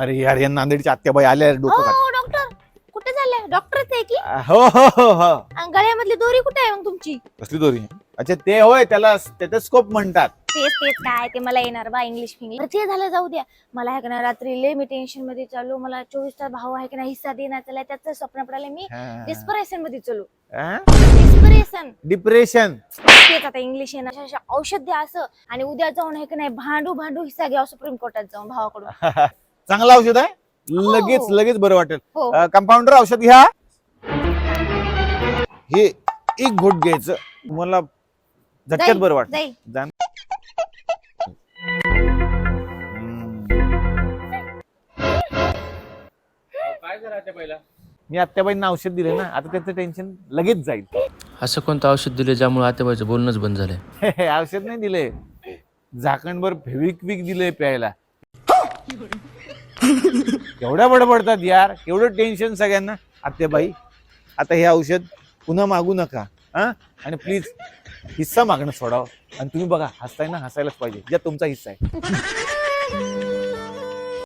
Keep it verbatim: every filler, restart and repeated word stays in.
अरे यार या नांदेडच्या आत्याबाई आल्या डोकं खात. हो डॉक्टर कुठे झाले? डॉक्टरच आहे की? हो हो हो हो आणि गळ्यामधली दोरी कुठे आहे मग तुमची? कसली दोरी? अच्छा ते होय, त्याला स्टेथोस्कोप म्हणतात. तेच तेच काय ते मला येणार बा इंग्लिश फिंग्लिश. ते झालं जाऊ द्या. मला आहे का ना रात्री लय मी टेन्शन मध्ये चालू. मला चोवीस तास भाऊ आहे की नाही हिस्सा देणार त्याला त्याचं स्वप्न पडायला मी डिस्परेशन मध्ये चालू. Desperation depression. तेच आता इंग्लिश येणार अशा औषध द्या असं आणि उद्या जाऊन आहे की नाही भांडू भांडू हिस्सा घ्या सुप्रीम कोर्टात जाऊन भावाकडून. चांगलं औषध आहे, लगेच लगेच बरं वाटेल. हो. कंपाऊंडर औषध घ्या. हे एक घोट घ्यायचं, तुम्हाला झटक्यात बरं वाटत. जाईल. काय करायचं पहिला? मी आत्याबाईंना औषध दिले ना, आता त्याचं टेन्शन लगेच जाईल. असं कोणतं औषध दिले ज्यामुळे आतेबाईचं बोलणंच बंद झालंय? औषध नाही दिले, झाकणभर फेविक्विक दिले प्यायला. केवढ्या बडबडतात यार, केवढं टेन्शन सगळ्यांना. आत्याबाई आता हे औषध पुन्हा मागू नका हा, आणि प्लीज हिस्सा मागणं सोडावं. आणि तुम्ही बघा हसताय ना, हसायलाच पाहिजे, ज्या तुमचा हिस्सा आहे.